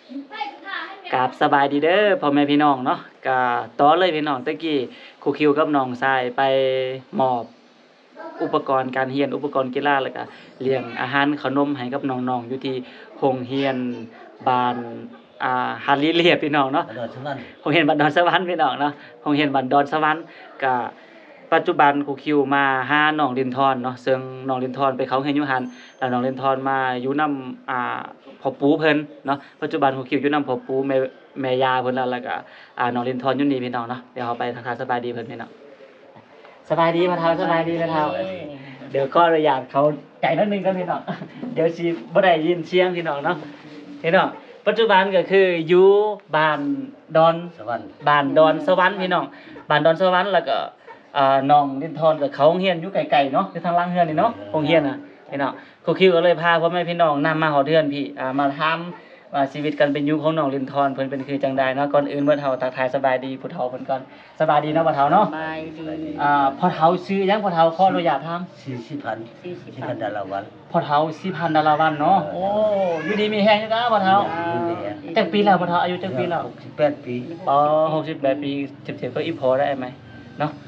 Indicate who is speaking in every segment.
Speaker 1: กราบสบายดีเด้อพ่อแม่พี่น้องเนาะก็ต่อเลยพี่น้องตะกี้ครูคิวกับน้องทรายไปมอบอุปกรณ์การเรียนอุปกรณ์กีฬาแล้วก็เลี้ยงอาหารขนมให้กับน้องๆอยู่ที่โรงเรียนบ้านฮาริเลียพี่น้องเนาะ
Speaker 2: ดอนสวรรค์
Speaker 1: โรงเรียนบ้านดอนสวรรค์พี่น้องเนาะโรงเรียนบ้านดอนสวรรค์ก็ปัจจุบันครูคิวมาหาน้องลินทรเนาะซึ่งน้องลินทรไปเขาเรียนอยู่หั่นแล้วน้องลินทรมาอยู่นำพ่อปู่เพิ่นเนาะปัจจุบันครูคิวอยู่นำพ่อปู่แม่ย่าเพิ่นแล้วก็น้องลินทรอยู่นี่พี่น้องเนาะเดี๋ยวเราไปทักทายสบายดีเพิ่นพี่น้องสบายดีพ่อเฒ่าสบายดีพ่อเฒ่าเดี๋ยวก็อนุญาตเขาใจนิดนึงกันพี่น้องเดี๋ยวสิบ่ได้ยินเสียงพี่น้องเนาะพี่น้องปัจจุบันก็คืออยู่บ้านดอน
Speaker 2: สวรรค์
Speaker 1: บ้านดอนสวรรค์พี่น้องบ้านดอนสวรรค์แล้วก็น้องลินทรกับเขาโรงเรียนอยู่ไกลๆเนาะอยู่ทางล่างเฮือนนี่เนาะโรงเรียนน่ะพี่น้องครูคิวก็เลยพาพ่อแม่พี่น้องนำมาฮอดเฮือนพี่มาถามว่าชีวิตการเป็นอยู่ของน้องลินทรเพิ่นเป็นคือจังใดเนาะก่อนอื่นบ่เฒ่าทักทายสบายดีผู้เฒ่าเพิ่นก่อนสบายดีเนาะบ่เฒ่าเนาะ
Speaker 3: สบายดี
Speaker 1: พ่อเฒ่าชื่อหยังพ่อเฒ่าขออนุญาตถาม
Speaker 2: 40,000 ดาราวัน
Speaker 1: พ่อเฒ่าสิพันธุ์ดาราวันเนาะโอ้อยู่ดีมีแฮงอยู่นะพ่อเฒ่าจักปีแล้วพ่อเฒ่าอายุจักปีแล้ว
Speaker 2: 68 ปี
Speaker 1: อ๋อ68 ปีเจ็บๆก็อีพอได้ไหมเนาะ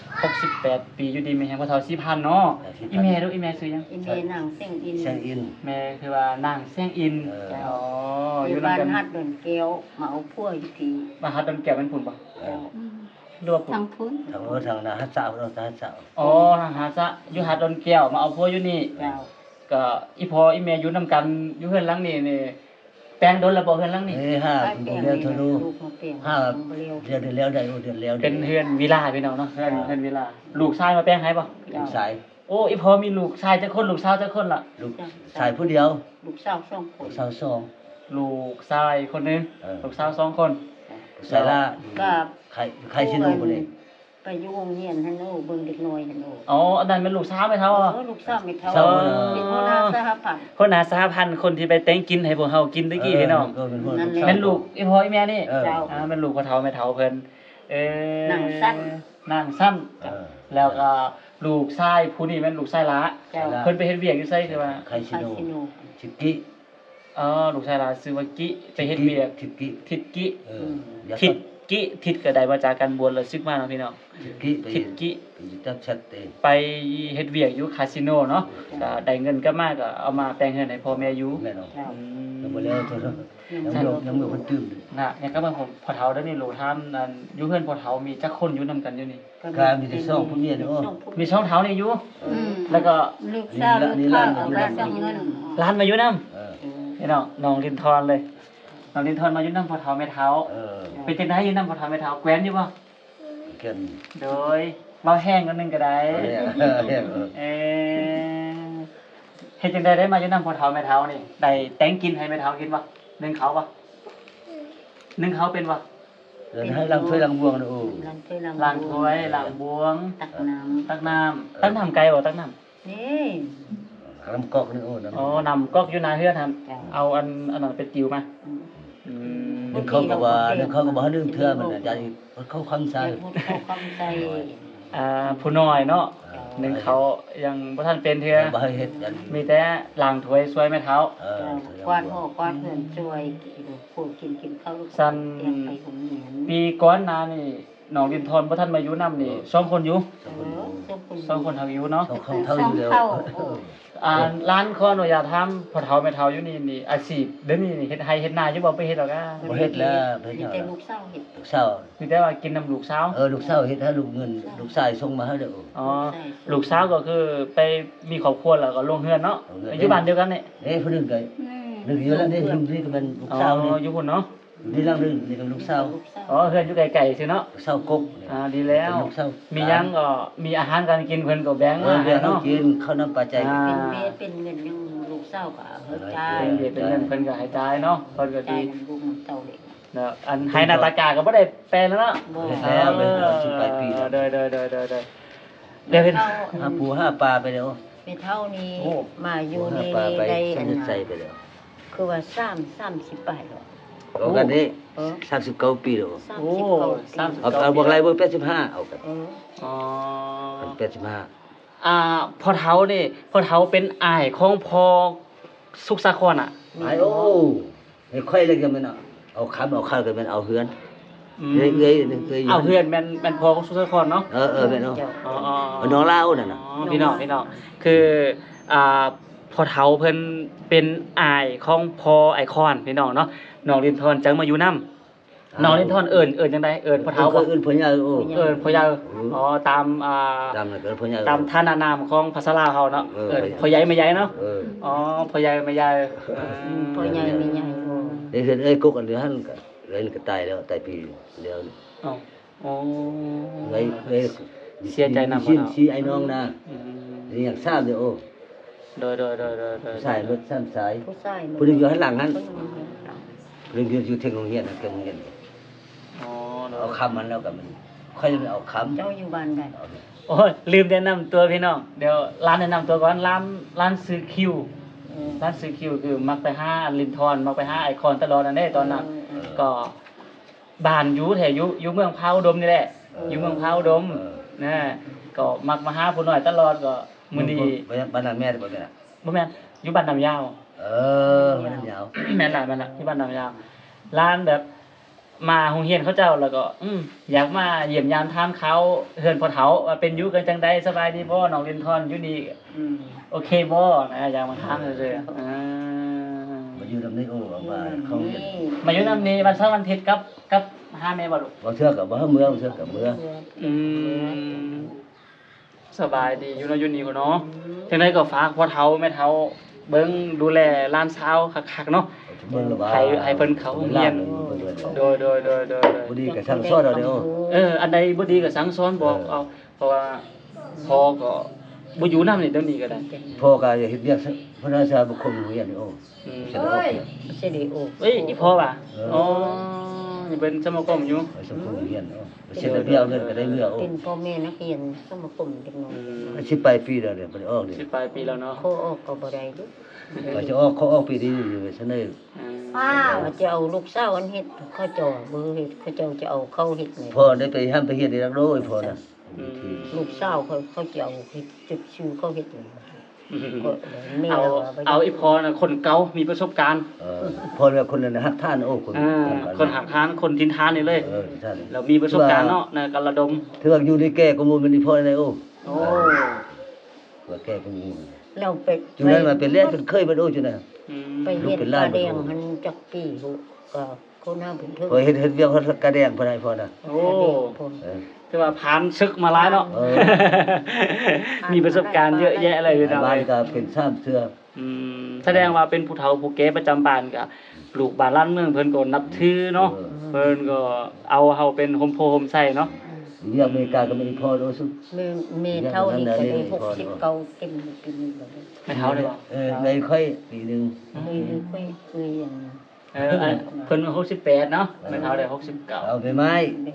Speaker 1: 68 ปีอยู่ดีมีแฮงพ่อเฒ่า4,000เนาะอีแม่ดูอีแม่ชื่อหยัง
Speaker 3: อินเมนางเส้งอิน
Speaker 2: เชียงอิน
Speaker 1: แม่คือว่านางแซงอินอ๋อ
Speaker 3: อ
Speaker 1: อยู่
Speaker 3: ยู่
Speaker 1: นำ
Speaker 3: บ้าน
Speaker 1: กัน
Speaker 3: ฮัดดอนแก้วมาเอาพัวอยู่ที่
Speaker 1: มาหาดอนแก้วเป็นพุ่นบ่หรือว่าพุ่น
Speaker 3: ทางพุ้น
Speaker 2: ทางนาฮัสสาวเราฮัสสาว
Speaker 1: อ๋อทางหาซะอยู่หาดดอนแก้วมาเอาผัวอยู่นี่
Speaker 3: เจ้า
Speaker 1: ก็อีพออีแม่อยู่นำกันอยู่เฮือนหลังนี้นี่แปลงโดนแล้วบ่เฮือนหลังนี้
Speaker 2: 5บ่เรียวทะลุ
Speaker 3: ลูกมาเปลี่ยน
Speaker 2: 5
Speaker 3: เร็ว
Speaker 2: เดือนแล้วได้เดือนแล้ว
Speaker 1: เป็นเฮือนวิลาพี่น้องเนาะเฮือนวิลาลูกชายมาแปลงให้บ่
Speaker 2: ลูกชาย
Speaker 1: โอ้อีพอมีลูกชายจักคนลูกสาวจักคนล่ะ
Speaker 2: ลูกชายผู้เดียว
Speaker 3: ลูกสาวสองคน
Speaker 2: สาวสอง
Speaker 1: ลูกชายคนหนึง ลูกสาว2คน
Speaker 2: สายละ
Speaker 3: ก็
Speaker 2: ใครสิรู้บ่นี่
Speaker 3: ไปอยู่โรงเรียนฮันโนเบิ่งเด็กน้อยฮันโน
Speaker 1: อ๋ออันนั้นเป็นลูกสาวไหมเท่าอ่ะ
Speaker 3: ลูกสาวไม่เท่าเป็นหัวหน้าสหพันธ์
Speaker 1: คนหาสหพันธ์คนที่ไปแต่งกินให้พวกเฮากินตะกี้พี่น้องเป็นลูกอีพ่ออีแม่นี่
Speaker 3: เจ้า
Speaker 1: เป็นลูกพ่อเฒ่าแม่เฒ่าเพิ่น
Speaker 3: นางสั้น
Speaker 1: นางสั้นแล้วก็ลูกชายผู้นี้แม่นลูกชายละ
Speaker 3: เจ้า
Speaker 1: เพิ่นไปเฮ็ดเวียกอยู่ไสคือว่า
Speaker 2: ใครสิ
Speaker 3: คา
Speaker 2: รู้
Speaker 3: สิโน
Speaker 2: ชิกิ
Speaker 1: อ๋อลูกชายละชื่อว่ากิไปเฮ็ดเวียก
Speaker 2: ชิกิ
Speaker 1: ทิดกิ
Speaker 2: อย่า
Speaker 1: ทิดกิทิดก็ได้มาจากการบวชแล้วซึกมาเนาะพี่น้อง
Speaker 2: ชิกิไป
Speaker 1: ทิดกิ
Speaker 2: จับชัดเต
Speaker 1: ไปเฮ็ดเวียกอยู่คาสิโนเนาะก็ได้เงินกลับมาก็เอามาแปลงเงินให้พ่อแม่อยู่
Speaker 2: แม่น้อง
Speaker 3: เจ้า
Speaker 2: ยังบ่แล้วตัวยังบ่คนตื่น
Speaker 1: น่ะเนี่ยก็มันผมพ่อเฒ่าเด้อนี่โหลท่านนั่นอยู่เฮือนพ่อเฒ่ามีจักคนอยู่นํกันอยู่นี่
Speaker 2: การมีแต่ซ่องผู้เมียนี่โอ้
Speaker 1: มีช่องเฒ่านี่อยู่
Speaker 3: อืม
Speaker 1: แล้วก็
Speaker 3: ลูกสาวลูกข้าวเอาไปส่งเงิน
Speaker 1: ร้านมาอยู่นํ
Speaker 2: เออ
Speaker 1: พี่น้องน้องลินทรเลยน้องลินทรมาอยู่นํพ่อเฒ่าแม่เฒ่า
Speaker 2: เออ
Speaker 1: เป็นจังได๋อยู่นํพ่อเฒ่าแม่เฒ่าแกว้นอยู่บ่
Speaker 2: เกิน
Speaker 1: โดยเว้าแห้งกันนึงก็ได้ เออเฮ็ดจังได๋ได้มาอยู่นํพ่อเฒ่าแม่เฒ่านี่ได้แต่งกินให้แม่เฒ่ากินบ่นึ่งเขาบ่นึ่งเขาเป็นบ่
Speaker 2: เดินให้ลังถ้วยลังบวงนะโอ้
Speaker 1: ล้างถ้วยล้างบวง
Speaker 3: ตักน้
Speaker 1: ตักน้ำไก่บ่ตักน้ำ
Speaker 3: ำนี่
Speaker 2: ลำกอกนี่โอ้นะ
Speaker 1: อ๋อนำก๊อกอยู่หน้าเฮือนครับ
Speaker 3: จ้ะ
Speaker 1: เอาอันนั้นเป็นติวมาอืม
Speaker 2: นึกเขาก็ว่านึกเขาก็บ่นึงเทื่อมันน่ะจะเขาคังใส่
Speaker 3: แต่พูดเข้าคำใจ
Speaker 1: ผู้น้อยเนาะหนึ่งเขายังบ่ทันเป็นเทื่อ
Speaker 2: บ่ให้เฮ็ดอัน
Speaker 1: มีแต่ล้างถ้วยช่วยแม่เฒ่า
Speaker 2: เออก
Speaker 3: วาดหัวกวาดเงินช่วยพูดกินข้าวลูกเตียงไปของเหนียน
Speaker 1: ปีก่อนหน้านี่น้องดินทรบ่ทันมาอยู่นํนี่2คนอยู่ 2คนเฮาอยู่เนาะ
Speaker 2: เขาเท่าอยู่แล้ว
Speaker 1: ร้านขออนุญาตถามพ่อเฒ่าแม่เฒ่าอยู่นี่อาชีพเดี๋ยวนี้นี่เฮ็ดไร่เฮ็ดนาอยู่บ่ไปเฮ็ดดอกอ่ะ
Speaker 2: บ่เฮ็ดแล้วเฮ็ด
Speaker 3: มีแต่ลูกสาวเห็ด
Speaker 2: ลูกสาว
Speaker 1: มีแต่ว่ากินน้ำลูกสาว
Speaker 2: ลูกสาวเฮ็ดให้ลูกเงินลูกชายส่งมาให้เด้อ
Speaker 1: อ๋อลูกสาวก็คือไปมีครอบครัวแล้วก็ลงเฮือนเนาะอยู่บ้านเดียวกันนี่
Speaker 2: ผู้นึงก็นึกอยู่แล้วนี่ลุงนี่ก็เป็นลูก
Speaker 1: อ๋อ
Speaker 2: สาวนี่
Speaker 1: อยู่พุ่นเนาะ
Speaker 2: นี่ลังนึงนี่ก็ลูกสาว
Speaker 1: อ๋อเฮือนอยู่ไกลๆซิเนาะ
Speaker 2: ลูกสาวกก
Speaker 1: ดีแล้ว
Speaker 2: ลูกสาว
Speaker 1: มีหยังก็มีอาหารการกินเพิ่นก็แบ่งมา
Speaker 2: เดี๋
Speaker 1: ให้
Speaker 2: ยว
Speaker 1: เนาะ
Speaker 2: กินข้าวน้ำปลาใจ
Speaker 3: เป็นเบี้ยเป็นเงินยังลูกสาวก็เฮ็ดใจ
Speaker 1: เป็นเด็กเป็นเงินเพิ่นก็ให้จ่ายเนาะเพิ่นก็
Speaker 3: ใจ
Speaker 1: ดี
Speaker 3: ลูกเต่าเด็ก
Speaker 1: เนาะอันให้หน้าตากาก็บ่ได้แปลแล้วเนาะ
Speaker 3: บ่
Speaker 2: แล้วเป็น18ปีแล้ว
Speaker 1: เด้อเดี๋ยวเพิ่น
Speaker 2: หาปูหาปลาไปแล้ว
Speaker 3: เป็นเท่านี้
Speaker 1: โอ้
Speaker 3: มาอยู่
Speaker 2: หา
Speaker 3: นี่
Speaker 2: ปลาไป
Speaker 3: ได้
Speaker 2: ใส่
Speaker 3: อัน
Speaker 2: เงิน
Speaker 3: น่ะ
Speaker 2: ใส่ไปแล้ว
Speaker 3: คือว่า30 บาทหรอก
Speaker 2: เอากันนี่
Speaker 3: เออ
Speaker 2: 39ปีแล้ว
Speaker 1: โอ้
Speaker 3: 39
Speaker 2: เอาบอกไรเบอร์85เอากัน
Speaker 3: เออ
Speaker 1: อ๋อ
Speaker 2: 85
Speaker 1: พ่อเฒ่านี่พ่อเฒ่าเป็นอ้ายของพ่อสุขสาครอ่ะ
Speaker 2: ไอ้โอ้ไม่ค่อยเลยกันมันอ่ะเอาค้ำเอาข้าวก็แม่นเอาเฮือน
Speaker 1: อืม
Speaker 2: เอ้ย
Speaker 1: เอาเพื่อนแม่นพอของสุสครเนาะ
Speaker 2: แม่นเอา
Speaker 3: เจ้า
Speaker 1: อ๋อ
Speaker 2: เอาน้องลาวนั่นน่ะ
Speaker 1: พี่น้องคือพอเฒ่าเพิ่นเป็นอายของพอไอคอนพี่น้องเนาะน้องลินทอนจังมาอยู่นำน้องลินทอนเอิ้นจังได๋เอิ้นพอเฒ่าบ่
Speaker 2: เอิ้นพ่อใหญ่โอ้
Speaker 1: เอิ้นพ่อใหญ่อ๋อตาม
Speaker 2: ตามนั่นก็เอิ้นพ่อใหญ่
Speaker 1: ตามท่านานามของภาษาลาวเฮาเนาะ
Speaker 2: เออ
Speaker 1: เอิ้นพ่อใหญ่แม่ใหญ่เนาะ
Speaker 2: เออ
Speaker 1: อ๋อพ่อใหญ่แม่ใหญ่
Speaker 3: พ่อใหญ่ไม่ใหญ่โอ้
Speaker 2: ได้เห็นเอ้ยกุกอันเดียวหันก็เลยก็ตายแล้วตายปีเดียว
Speaker 1: อ๋ออ๋อ
Speaker 2: เลย
Speaker 1: เสียใจนำบ่
Speaker 2: ชิ้น
Speaker 1: เนาะ
Speaker 2: ชี้ไอ้น้องนะ
Speaker 1: อืม
Speaker 2: นี่อยากทราบเด้อโอ้
Speaker 1: โดย
Speaker 2: สายรถซ้ำสาย
Speaker 3: ผู้ชาย
Speaker 2: ผู้หนึงอยู่ข้างหลังนั้นผู้หนึงอยู่เทคโนโลยีนั่นเทคโนโลยี
Speaker 1: อ๋อโด
Speaker 2: เอา
Speaker 1: ย
Speaker 2: คำมันแล้วก็มันค่อยจะไปเอาคำ
Speaker 3: เจ้าอยู่บ้านใด
Speaker 2: เอาเนี่ย
Speaker 1: โอ้ยลืมแนะนำตัวพี่น้องเดี๋ยวร้านแนะนำตัวก่อนร้านซื้อคิวร้านซื้อคิวคือมักไปหาลินทอนมักไปหาไอคอนตลอดนั่นเด้ตอนนั้นก็บ้านอยู่แถวอยู่เมืองพาวอุดมนี่แหละอยู่เมืองพาวอุดมนะก็มักมาหาผู้น้อยตลอดก็มื้อนี้
Speaker 2: บ้านนั้นแม่ได้บ่แม่น่ะ
Speaker 1: บ่แม่นอยู่บ้านน้ำยาว
Speaker 2: เออมันนั้นยาว
Speaker 1: แม่นล่ะที่บ้านน้ำยาวร้านแบบมาโรงเรียนเขาเจ้าแล้วก็อยากมาเยี่ยมยามถามเขาเฮือนพ่อเฒ่าว่าเป็นอยู่กันจังไดสบายดีบ่น้องลินทอนอยู่นี่ โอเคบ่นะอยากมาถามซื่อๆ
Speaker 2: มาอยู่นำนี้โอ้ว่าเขาเรียน
Speaker 1: มาอยู่นำนี้วันเสาร์วันอาทิตย์กับหาแม่บ่ลูก
Speaker 2: บ่เทื่อก็บ่เมืองเทื่อก็เมือง
Speaker 1: อืมสบายดีอยู่เนาะอยู่นี่พุ่นเนาะจังไดก็ฝากพ่อเฒ่าแม่เฒ่าเบิ่งดูแลหลานสาวคักๆเนาะ
Speaker 2: เมืองละว่า
Speaker 1: ให้เพิ่นเข้าโรงเรียน โดย
Speaker 2: บ่ดีก็สั่งสอนเอาเด้อ
Speaker 1: อันใดบ่ดีก็สั่งสอนบอกเอาเพราะว่าพ่อก็บ่อยู่นำนี่เดี๋ยวนี้ก็ได้
Speaker 2: พ่อก็อย่าเฮ็ดเวียกพนักงานบุคคลโรงเรียนนี่โอ้
Speaker 1: อืม
Speaker 2: เสร็จแล้ว
Speaker 3: เสด็จโอ้
Speaker 1: เอ้ยอีพ่อว่ะอ๋อนี่เป็นสมาคมอยู่
Speaker 2: ไปสมโรงเรียนโอ้เสร็จแล้วเบี้ยเงินก็ได้เรือโอ้
Speaker 3: เป็นพ่อแม่นักเรียนสมาคมเด็กน้อย
Speaker 2: สิไปปีแล้วเนี่ยบ่ได้ออกนี่
Speaker 1: สิปลายปีแล้วเนาะ
Speaker 3: โคออกก็บ่ได้ดุ
Speaker 2: ว่าจะออกเขาออกปีนี้อยู่เสนอ
Speaker 3: ว่าจะเอาลูกสาวอันเฮ็ดเขาเจ้าเบอร์เฮ็ดเขาเจ้าจะเอาเข้าเฮ็ดนี่
Speaker 2: พ่อได้ไปห้ามไปเฮ็ดได้รักโลยพ่อน่ะ
Speaker 3: ลูกสาวเขาจะเอาเฮ็ดจุดชื่อเขาเฮ็ดนี่ก็แม่
Speaker 1: เอาอีพ่อน่ะคนเก่ามีประสบการณ์
Speaker 2: พ่อเนี่ยคนนั้นฮักท่านโอ้คน
Speaker 1: คนหักทานคนทินทานนี่เลย
Speaker 2: ท่าน
Speaker 1: แล้วมีประสบการณ์เนาะในการระดม
Speaker 2: ถือว่าอยู่ในแก่ก็มูลมันนี่พ่อได้โอ้
Speaker 1: โอ้
Speaker 2: ว่าแก่ก็มูล
Speaker 3: เราไป
Speaker 2: จุนั้นมาเป็นเล่นเป็นเคยมันโอ้จุนั้น
Speaker 3: ไปเฮ็ดตาแดงหันจักปีก็คนหน้าเป็นเพิ่น
Speaker 2: พอเฮ็ดเวียงเขากระแดงพ่อได้พ่อน่ะ
Speaker 1: โอ้คือว่าผ่านศึกมาหลายเนาะมีประสบการณ์เยอะแยะเลยพี่น้อง
Speaker 2: บ้านก็เป็นซ้ำเสื้อ
Speaker 1: แสดงว่าเป็นผู้เฒ่าผู้แก่ประจำบ้านก็ลูกบ้านล้านเมืองเพิ่นก็นับถือเนาะเพิ่นก็เอาเฮาเป็นโฮมโพโฮมไส้เนาะ
Speaker 2: เวียงอเมริกาก็ไม่ได้พ่อโอ้สุ
Speaker 3: แม่เท่านี้ก็ได้69เต็มปีนี้บ่ได้
Speaker 1: ไม่เฒ่าเลยบ่
Speaker 2: ในค่อยปีนึง
Speaker 3: เคยอย่าง
Speaker 1: เพิ่น68เนาะไม่เฒ่าได้69
Speaker 2: เอาไปไม้
Speaker 3: ได้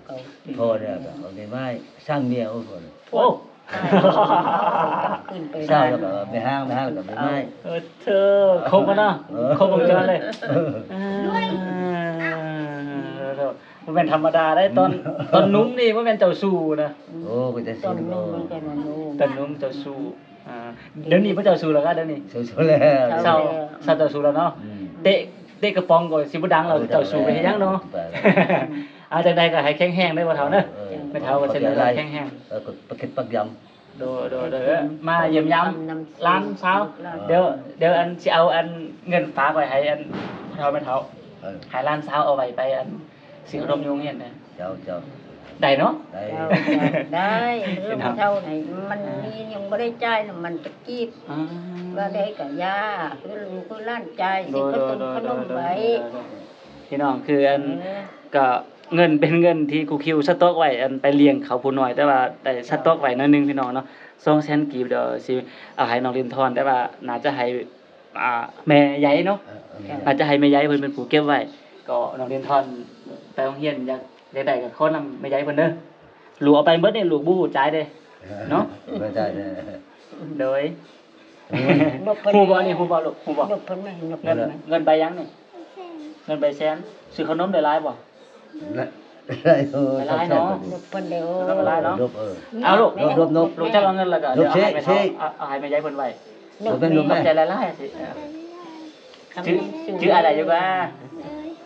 Speaker 3: 69
Speaker 2: พ่อเนี่ยเอาไปไม้สร้างเมียโอ้พ่อ
Speaker 1: โอ้
Speaker 3: ขึ้นไป
Speaker 2: สร้างแล้วก็ไปห้างแล้วก็ไปไม้
Speaker 1: เธอครบแล้วเนาะครบวงจรเลยมันเป็นธรรมดาได้ตอนนุ่มนี่มันเป็นเจ้าสู้นะ
Speaker 2: โอ้ก็จะ
Speaker 3: ต
Speaker 2: สิ
Speaker 3: อนนู้นมันก็นนู้น
Speaker 1: ตอนนุ่มเจ้าสู้เดี๋ยวนี้พระเจ้าสู้แล้วกันเดี๋ยวนี้
Speaker 2: สวยๆแล้ว
Speaker 1: เศร้าเจ้าสู้แล้วเนาะเตะกระป๋องก่อนสิบ่ดังเราเจ้าสู้ไปเฮ็ดหยังเนาะอาจังใดก็ให้แข็งแรงได้บ่เฒ่าเด้อไม่เฒ่าก็เช่นไรแข็งแรง
Speaker 2: ก็ปักเก็ตปักยำ
Speaker 1: โดมาเยี่ยมยามร้านเช้าเดี๋ยวอันสิเอาอันเงินฝากไว้ให้อันเฒ่าไม่เฒ่าให้ร้านเช้าเอาไว้ไปอันสิอารมณ์โรงเรียนนะ
Speaker 2: เจ้า
Speaker 1: ได้เนาะ
Speaker 2: ได้
Speaker 3: ได้เรื่องเท่าไหนมันมียังไม่ได้จ่ายน่ะมันจะกีบก็ได้กับยาคือลูกคือล้านจ่ายสิก็ตุนขนมไว้
Speaker 1: พี่น้องคืออันก็เงินเป็นเงินที่ครูคิวสต๊อกไว้อันไปเลี้ยงเขาผู้น้อยแต่ว่าได้สต๊อกไว้หน้อยนึงพี่น้องเนาะ200,000กีบเดี๋ยวสิเอาให้น้องลินทอนแต่ว่าน่าจะให้แม่ใหญ่เนาะน่าจะให้แม่ใหญ่เพิ่นเป็นผู้เก็บไว้ก็น้องลินทอนไปโรงเรียนอยากได้ก็ขอนำแม่ใหญ่เพิ่นเด้อลูกเอาไปเบิดนี่ลูกบ่ฮู้จ่ายเด้เนาะ
Speaker 2: ไม่ได้
Speaker 1: โดยฮู้บ่นี่ฮู้บ่ลูกฮู้บ่
Speaker 3: ยกเพิ่นไม่ยก
Speaker 1: เงินไปยังนี่เงินไปแสนซื้อขนมได้หลายบ่
Speaker 2: ได้โอ้
Speaker 3: ยกเพิ่นเด้อ
Speaker 1: เอาลูก
Speaker 2: นบ
Speaker 1: ลูกจะเอาเงินแล้วก็เดี๋ยวเอาให้แม่ใหญ่เพิ่นไว้
Speaker 3: นก
Speaker 1: ขอบใจหลายๆสิชื่ออะไรอยู่ว่า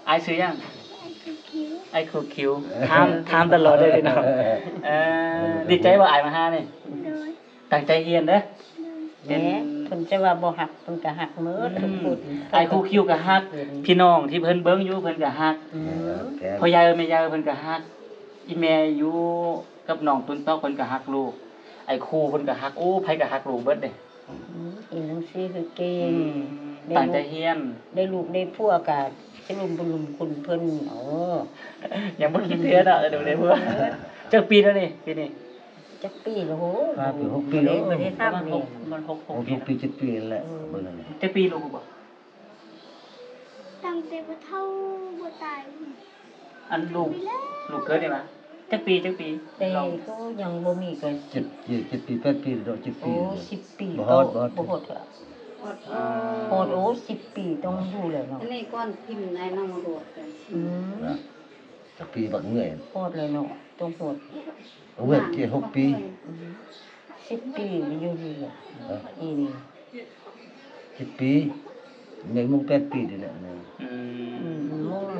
Speaker 1: อายซื้อยังไอ้คูคิวถามตลอดเลยพี่น้องดีใจว่าอายมาหานี่ตั้งใจเรียนเด้อ
Speaker 3: แหน่เพิ่นจะว่าบ่ฮักเพิ่นก็ฮักหมดทุกคน
Speaker 1: ไอ้คูคิวก็ฮักพี่น้องที่เพิ่นเบิ่งอยู่เพิ่นก็ฮัก
Speaker 3: อืม
Speaker 1: พ่อยายแม่ยายเพิ่นก็ฮักอีแม่อยู่กับน้องตุนตอกเพิ่นก็ฮักลูกไอ้ครูเพิ่นก็ฮักโอ้ไผก็ฮักลูกเบิดเด้
Speaker 3: อีหนังสือคือเก่ง
Speaker 1: ตั้งใจเรียน
Speaker 3: ได้ลูกได้ผัวก็สิลุมบุลุมคุณเพิ่น
Speaker 1: ยังบ่คิดเทื่อดอกเดี๋ยวได้เพิ่นจักปีแล้วนี่ปีนี้
Speaker 3: จักปีแล้วโห
Speaker 2: 5 ปี6ปีแล้ว
Speaker 3: บ่ได้ทำนี่
Speaker 1: มัน6
Speaker 2: 6
Speaker 1: ปี
Speaker 2: ปี7ปีนั่นแหละเบิ่งนั่นแหละ
Speaker 1: จักปีลูกบ่
Speaker 4: ตั้งแต่บ่เท่าบ่ตาย
Speaker 1: อันลูกเกิดได้มาจักปี
Speaker 3: แต่
Speaker 1: เรา
Speaker 3: ก็ยังบ่มีก็
Speaker 2: 7ปี8ปีดอก7
Speaker 3: โอ้
Speaker 2: ปี
Speaker 3: 10 ปี
Speaker 2: บ่
Speaker 3: ก็
Speaker 2: ฮอดบ่ฮอด
Speaker 3: บ่ฮอดอะโหดโอ้10 ปีต้องดูเลยเนาะ
Speaker 4: อันนี้ก้อนพิมพ์ในน้ำมันโดดกัน
Speaker 3: อืม
Speaker 2: นะจักปีบักเหนื่อย
Speaker 3: โหดเลยเนาะต้องโหด
Speaker 2: เอาเว้ย6 ปี
Speaker 3: 10 ปีอยู่ดีอ่ะอีนี่
Speaker 2: 7 ปีแม่งมึง8ปีนี่แหละ
Speaker 1: อื
Speaker 3: อื
Speaker 1: ม
Speaker 3: มมองเลย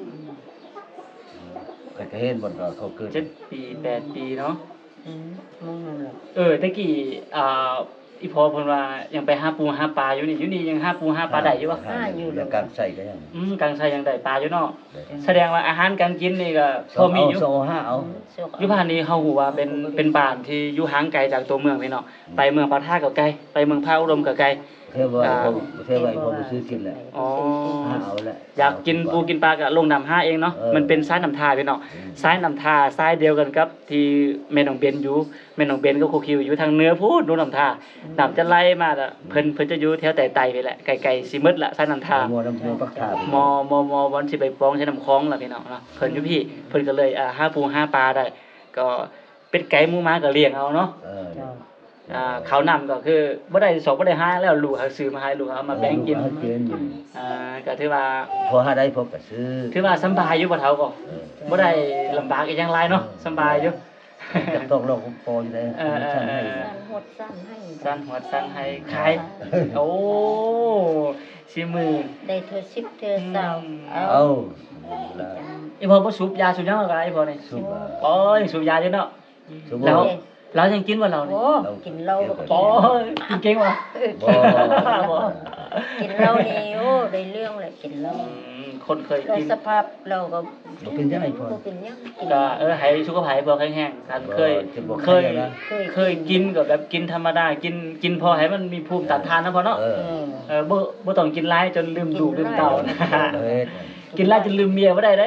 Speaker 2: ก็เห็นบ่ก็เขาเกิด
Speaker 1: 7ปี8ปีเนาะ
Speaker 3: มองนั่นแหละ
Speaker 1: ตะกี้อีพอเพิ่นว่ายังไปหาปูหาปลาอยู่นี่ยังหาปูหาปลาได้อยู่บ่
Speaker 2: แล้วการใส่ก็ยัง
Speaker 1: กลางไสยังได้ปลาอยู่เนาะแสดงว่าอาหารการกินนี่ก็พอมีอยู่
Speaker 2: 2 5เอา
Speaker 1: อยู่บ้านนี้เฮาฮู้ว่าเป็นบ้านที่อยู่ห่างไกลจากตัวเมืองพี่เนาะไปเมืองปะทะก็ไกลไปเมืองพระอุดมก็ไกล
Speaker 2: เทว่าผมซื้อกินแหละ
Speaker 1: อ๋อ
Speaker 2: เอาแหละ
Speaker 1: อยากกินปูกินปลาก็ลงน้ำห้าเองเนาะ
Speaker 2: เออ
Speaker 1: มันเป็นสายน้ำทาพี่เนาะสายน้ำทาสายเดียวกันกับที่แม่น้องเบนอยู่แม่น้องเบนก็โคคิวอยู่ทางเหนือพูดดูน้ำทาน้ำจะไหลมาอะเพิ่นจะอยู่แถวไต่ๆไปแหละไกลๆสิมืดละสายน้ำทา
Speaker 2: มัวน้ำปักขา
Speaker 1: มวันสิไปปองใช้น้ำคลองล่ะพี่น้องเนาะเพิ่นอยู่พี่เพิ่นก็เลยหาปูหาปลาได้ ก็เป็ดไก่หมูหมาก็เลี้ยงเอาเนาะข้าวน้ำก็คือบ่ได้สอบบ่ได้หาแล้วลูกเขาซื้อมาให้ลูกเอามาแบ่งกินก็ถือว่า
Speaker 2: พอหาได้พอก็ซื้อ
Speaker 1: ถือว่าสำบายอยู่บ่เฒ่าก็บ่ได้ลำบากอีหยังหลายเนาะสำบายอยู่
Speaker 2: ต้องลองพออยู่ได้
Speaker 3: สั้นหดสั้นให้
Speaker 1: สั้นหัวสั้นให้ขายโอ้สิมือ
Speaker 3: ได้เธอ10เธอ20
Speaker 2: เอา
Speaker 1: อีพ่อบ่สูบยาสูบหยังก็อีพ่อนี่
Speaker 2: สุบ
Speaker 1: โอ้ยสูบยาอยู่เนาะ
Speaker 2: สุบ
Speaker 1: แล้วเรายังกินบ่เรานี่
Speaker 3: โอ้กินเหล้าก็
Speaker 1: โอ้ยกินเก่งว่ะ
Speaker 2: บ่
Speaker 3: กินเหล้านี่โอ้ได้เรื่องเลยกินเหล้า
Speaker 1: คนเคย
Speaker 3: โดย
Speaker 1: กิน
Speaker 3: สภาพเราก็
Speaker 2: บ่เป็นจังได๋พอ
Speaker 3: บ่เป็นหยังกิน
Speaker 1: ก็ให้สุขภาพพอแข็งๆกันเคยกินก็แบบกินธรรมดากินพอให้มันมีภูมิต้านทานนะพอเนาะบ่ต้องกินหลายจนลืมลูกลืมเต้านะกินหลายจนลืมเมียบ่ได้เด้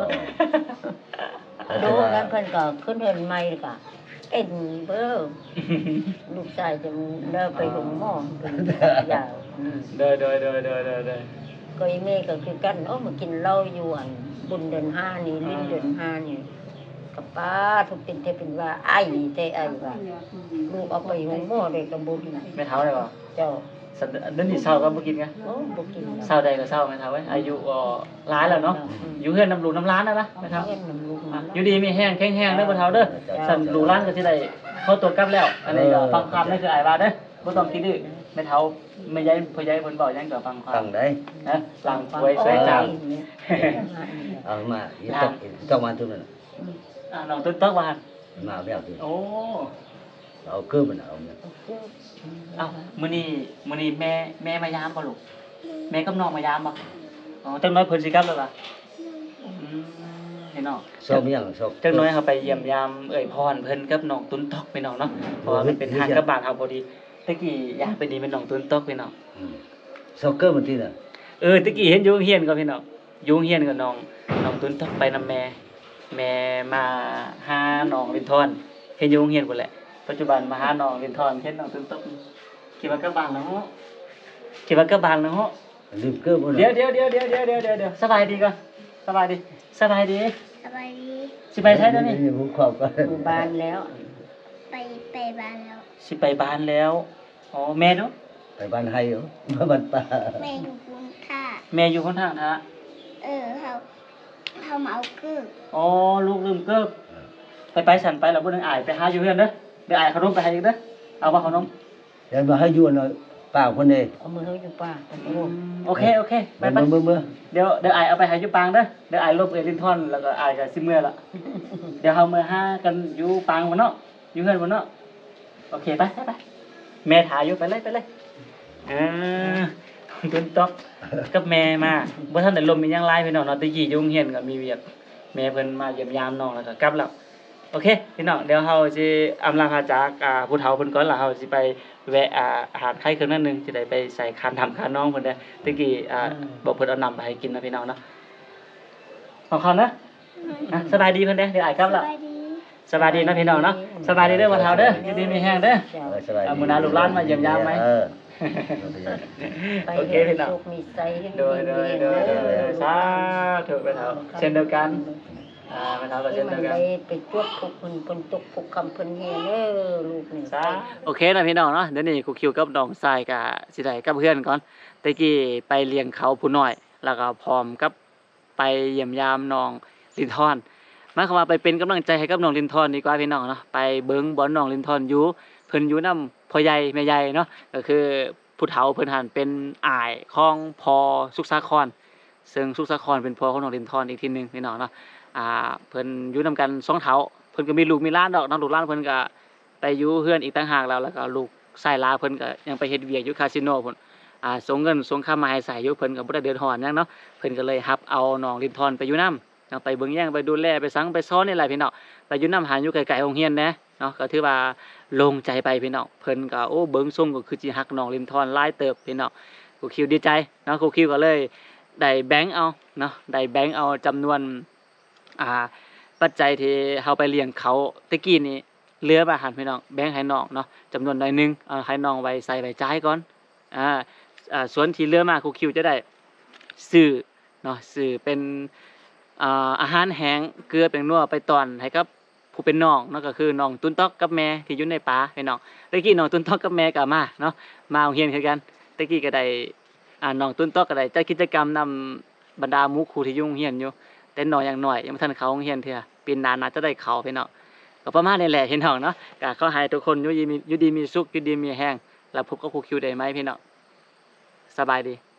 Speaker 3: ดูนั้นเพิ่นก็ขึ้นเฮือนใหม่ก็เอ็นเบ้อลูกชายจะเลิกไปโรงหมอเป็นยาว
Speaker 1: เด้อ
Speaker 3: ก็อีแม่ก็คือกันโอ้มากินเหล้าอยู่อันบุญเดือน5นี่ลิ้นเดือน5นี่กับป้าทุกเป็นแต่เป็นว่าไอ้แต่ไอ้ว่าลูกเอาไปโรงหมอได้ก็บ่ดี
Speaker 1: ไม่เท่าได้บ่
Speaker 3: เจ้า
Speaker 1: เดี๋ยวนี้เช้าก็บ่กินกัน
Speaker 3: โอ้บ่กิน
Speaker 1: เช้าใดก็เช้าไม่เท่าเว้ยอายุก็หลายแล้วเนาะอยู่เฮือนน้ำลูกน้ำร้านนะไม่เท่า
Speaker 3: เงินนำลูกมา
Speaker 1: อยู่ดีมีแห้งแข็งๆเด้อบ่เท่าเด้อสั่นลูกร้านก็สิได้เข้าตัวกลับแล้ว อันนี้ก็ฟังความนี่คืออ้ายว่าเด้อบ่ต้องคิดดื้อไม่เท่าไม่ย้ายพ่อย้ายเพิ่นบอกหยังก็ฟังควา
Speaker 2: ตั้
Speaker 1: ม
Speaker 2: งได้
Speaker 1: นะหลังป่วยสวยจัง
Speaker 2: เอามาต้องมาตัวนั้น
Speaker 1: น้องตึกว่า
Speaker 2: มาแล้วตัว
Speaker 1: โอ้
Speaker 2: เอาเกิมันเอาเนี่ย
Speaker 1: เอ้ามื้อนี้แม่มายามบ่ลูกแม่กับน้องมายามบ่อ๋อจังน้อยเพิ่นสิกลับแล้วล่ะเห็นเนาะ
Speaker 2: ชอบยังชอบ
Speaker 1: จังน้อยเฮาไปเยี่ยมยามเอ่ยพรเพิ่นกับน้องตุนตอกพี่น้องเนาะเพราะว่ามันเป็นทางกลับบ้านเฮาพอดีตะกี้อยากไปดีเป็นน้องตุนตอกพี่น้อง
Speaker 2: ชอบเกิมันที่น่ะ
Speaker 1: ตะกี้เห็นอยู่โรงเรียนก็พี่น้องอยู่โรงเรียนกับน้องตุนตอกไปนำแม่มาหาน้องลินทอนเห็นอยู่โรงเรียนพุ่นแหละปัจจุบันมาหาน้องลินทอนเห็นน้องตุนตอกคิดว่ากลับบ้านแล้วเนาะคิดว่ากลับบ้านแล้วเนาะ
Speaker 2: ลืมเกิบ่
Speaker 1: เดี๋ยวสบายดีก่อนสบายดี
Speaker 4: สบายดี
Speaker 1: สิไปไสเด้อนี่
Speaker 2: ผมความก็
Speaker 3: หมู่บ้านแล้ว
Speaker 4: ไปบ้านแล้ว
Speaker 1: สิไปบ้านแล้วอ๋อแม่เนาะ
Speaker 2: ไปบ้านไห้เหรอบ้านป่า
Speaker 4: แม่อยู่กรุงค่ะ
Speaker 1: แม่อยู่คนทางนะ
Speaker 4: เขามาเอาเกือบ
Speaker 1: อ๋อลูกลืมเกิบไปสั่นไปแล้วบ่นึงอายไปหาอยู่เฮือนเด้อเดี๋ยวอายขนมไปให้อีกเด้อเอาบ่ขนม
Speaker 2: แล้วมาให้อยู่หน่อยไปป้าคนนี้
Speaker 3: เอามือเฮาอยู่ป่าตะโก
Speaker 1: โอเคโอเคไปไป
Speaker 2: มื้อ
Speaker 1: เดี๋ยวอายเอาไปให้อยู่ปางเด้อเดี๋ยวอายลบเอลินทอนแล้วก็อายก็สิเมื่อละเดี๋ยวเฮามื้อหากันอยู่ปางบ่เนาะอยู่เฮือนบ่เนาะโอเคไปไปแม่ถ่ายอยู่ไปเลยตุนตอกกับแม่มาบ่ทันได้ลมมีหยังหลายพี่น้องเนาะตะกี้อยู่โรงเรียนก็มีเวียกแม่เพิ่นมาเยี่ยมยามน้องแล้วก็กลับแล้วโอเคพี่น้องเดี๋ยวเฮาสิอำลาพาจากผู้เฒ่าเพิ่นก่อนแล้วเฮาสิไปแวะอาหารไข่เครื่องนั้นหนึงสิได้ไปใส่คานทำคานน้องเพิ่นเด้อตะกี้บอกเพิ่นเอานำไปให้กินนะพี่น้องเนาะของเขานะสบายดีเพิ่นเด้อเดี๋ยวอายกลับแล้ว
Speaker 4: สบายดี
Speaker 1: สบายดีนะพี่น้องเนาะสบายดีเด้อบ่เฒ่าเด้ออยู่ดีมีแฮงเด้อ
Speaker 2: สบายดี
Speaker 1: มื้อหน้าลูกหลานมาเยี่ยมยามไหม
Speaker 3: ไป
Speaker 1: โอเคพี่น้อง
Speaker 3: สุขมีใจให้
Speaker 1: โดยสาธุไปเฒ่าเช่นเดียวกันไปเฒ่าก็
Speaker 3: ให้
Speaker 1: เช่น
Speaker 3: มั
Speaker 1: เดี
Speaker 3: น
Speaker 1: ยวกัน
Speaker 3: ได้ไปจวบทุกคนเพิ่นตกทุกคำเพิ่นเฮ็ดเด้อลูกนี่
Speaker 1: โอเคนะพี่น้องเนาะเดี๋ยวนี้ครูคิวกับน้องทรายก็สิได้กับเพื่อนก่อนตะกี้ไปเลี้ยงเขาผู้น้อย แล้วก็พร้อมกับไปเยี่ยมยามน้องลินทอนหมายความว่าไปเป็นกำลังใจให้กับน้องลินทอนดีกว่าพี่น้องเนาะไปเบิ่งบอลน้องลินทอนอยู่เพิ่นอยู่นำพ่อใหญ่แม่ใหญ่เนาะก็คือผู้เฒ่าเพิ่นหันเป็นอ้ายของพ่อสุขสาครซึ่งสุขสาครเป็นพ่อของน้องลินทอนอีกทีหนึงพี่น้องเนาะเพิ่นอยู่นํกัน2เฒ่าเพิ่นก็มีลูกมีหลานดอกน้องลูกหลานเพิ่นก็ไปอยู่เฮือนอีกต่างหากแล้วก็ลูกชายหลาเพิ่นก็ยังไปเฮ็ดเวียกอยู่คาสิโนพุ่นส่งเงินส่งค่ามาให้ใช้อยู่เพิ่นก็บ่ได้เดือดร้อนหยังเนาะเพิ่นก็เลยรับเอาน้องลินทอนไปอยู่นำไปเบิ่งแย่งไปดูแลไปสังไปซ้อนนี่แหละพี่น้องไปอยู่นำหาอยู่ไกลๆโรงเรียนแหน่เนาะก็ถือว่าโล่งใจไปพี่น้องเพิ่นก็โอ้เบิ่งทรงก็คือสิฮักน้องลินทอนหลายเติบพี่น้องครูคิวดีใจเนาะครูคิวก็เลยได้แบ่งเอาเนาะได้แบ่งเอาจำนวนปัจจัยที่เฮาไปเลี้ยงเขาตะกี้นี้เหลือมาหันพี่น้องแบ่งให้น้องเนาะจำนวนหน่อยหนึงให้น้องไว้ใส่ไว้จ่ายก่อนส่วนที่เหลือมาครูคิวจะได้ซื้อเนาะซื้อเป็นอาหารแห้งเกลือแป้งนัวไปตอนให้กับผู้เป็นน้องเนาะก็คือน้องตุ้นต๊อกกับแม่ที่อยู่ในป่าพี่น้องตะกี้น้องตุ้นต๊อกกับแม่ก็มาเนาะมาโรงเรียนคือกันตะกี้ก็ได้น้องตุ้นต๊อกก็ได้จัดกิจกรรมนำบรรดาหมู่ครูที่อยู่โรงเรียนอยู่แต่น้อยอย่างน้อยยังบ่ทันเข้าโรงเรียนเทื่อปีหน้าน่าจะได้เข้าพี่น้องก็ประมาณนี้แหละพี่น้องเนาะก็ขอให้ทุกคนอยู่ดีมีสุขอยู่ดีมีแรงแล้วพบกับครูคิวได้ไหมพี่น้องสบายดี